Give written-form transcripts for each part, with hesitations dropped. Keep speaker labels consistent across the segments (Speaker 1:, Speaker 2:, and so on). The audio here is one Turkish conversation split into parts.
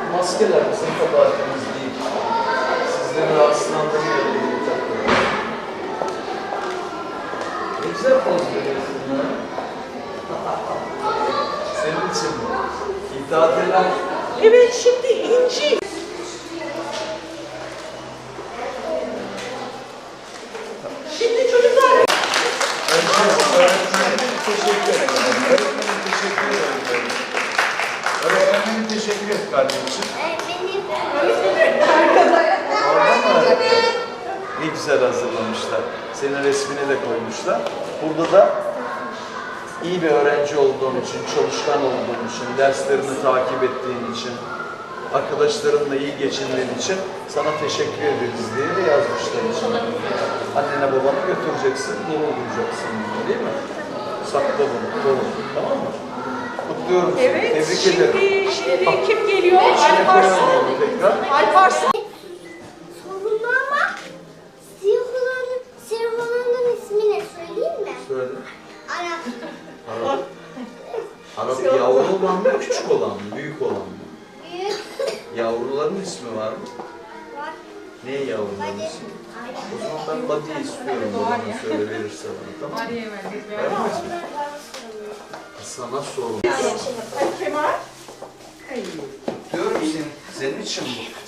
Speaker 1: maskeler bizim kabahatimiz değil. Sizleri rahatsızlandırmayalım diye takıyorum. Ne güzel poz veriyorsun ya. Senin için mi? İddia edilen...
Speaker 2: Evet, şimdi İnci. Şimdi çocuklar...
Speaker 1: Öğretmenim teşekkür ederim. Öğretmenim teşekkür ederim. Öğretmenim teşekkür et kardeşim. Orada mı? Ne güzel hazırlamışlar. Senin resmini de koymuşlar. Burada da iyi bir öğrenci olduğun için, çalışkan olduğun için, derslerini takip ettiğin için, arkadaşlarınla iyi geçindiğin için sana teşekkür ederiz diye de yazmışlar içine. Annene babana götüreceksin, gurur duyacaksın, değil mi? Sakla bunu, koru. Tamam mı? Kutluyorum seni.
Speaker 2: Evet,
Speaker 1: Tebrik ederim.
Speaker 2: şimdi kim geliyor?
Speaker 1: İçine koyalım
Speaker 2: Alparslan.
Speaker 1: onu tekrar.
Speaker 2: Alparslan.
Speaker 3: Sorunlu ama siyah olanın ismi ne söyleyeyim mi?
Speaker 1: Söyle.
Speaker 3: Arap.
Speaker 1: Arap. Arap yavru olan mı, küçük olan mı, büyük olan mı?
Speaker 3: Büyük.
Speaker 1: Yavruların ismi var mı?
Speaker 3: Var.
Speaker 1: Ne yavruların ismi? O zaman ben Badi'yi istiyorum babana söyle verirse bana, tamam mı? Vermez mi? Sana sorun.
Speaker 2: Kemal.
Speaker 1: Diyorum senin için bu.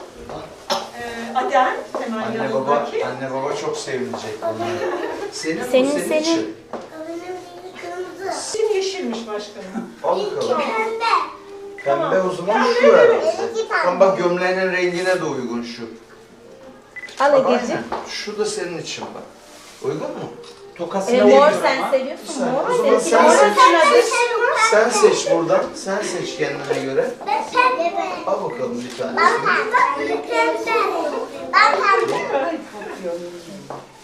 Speaker 2: Adem. Kemal
Speaker 1: Anne baba çok sevinecek bunlar. Senin için.
Speaker 3: Benim rengi kırmızı.
Speaker 2: Senin yeşilmiş başkanım.
Speaker 1: Al
Speaker 3: Benimki
Speaker 1: bakalım.
Speaker 3: pembe.
Speaker 1: Pembe o zaman şu herhalde.
Speaker 3: Benimki pembe.
Speaker 1: Ama bak gömleğinin rengine de uygun şu.
Speaker 4: Al
Speaker 1: Bak,
Speaker 4: Ege'ciğim.
Speaker 1: aynen. Şu da senin için bak. Uygun mu? Tokasını
Speaker 4: Mor
Speaker 1: veriyorum
Speaker 4: sen
Speaker 1: ama.
Speaker 4: seviyorsun.
Speaker 1: Sen-
Speaker 4: Mor
Speaker 1: o zaman
Speaker 4: seninki
Speaker 1: sen
Speaker 4: mor.
Speaker 1: seç. Sen
Speaker 3: Sen
Speaker 1: seç buradan. Sen seç kendine göre.
Speaker 3: Ben pembe.
Speaker 1: Al bakalım bir tane.
Speaker 3: Ben pembe. Ben pembe.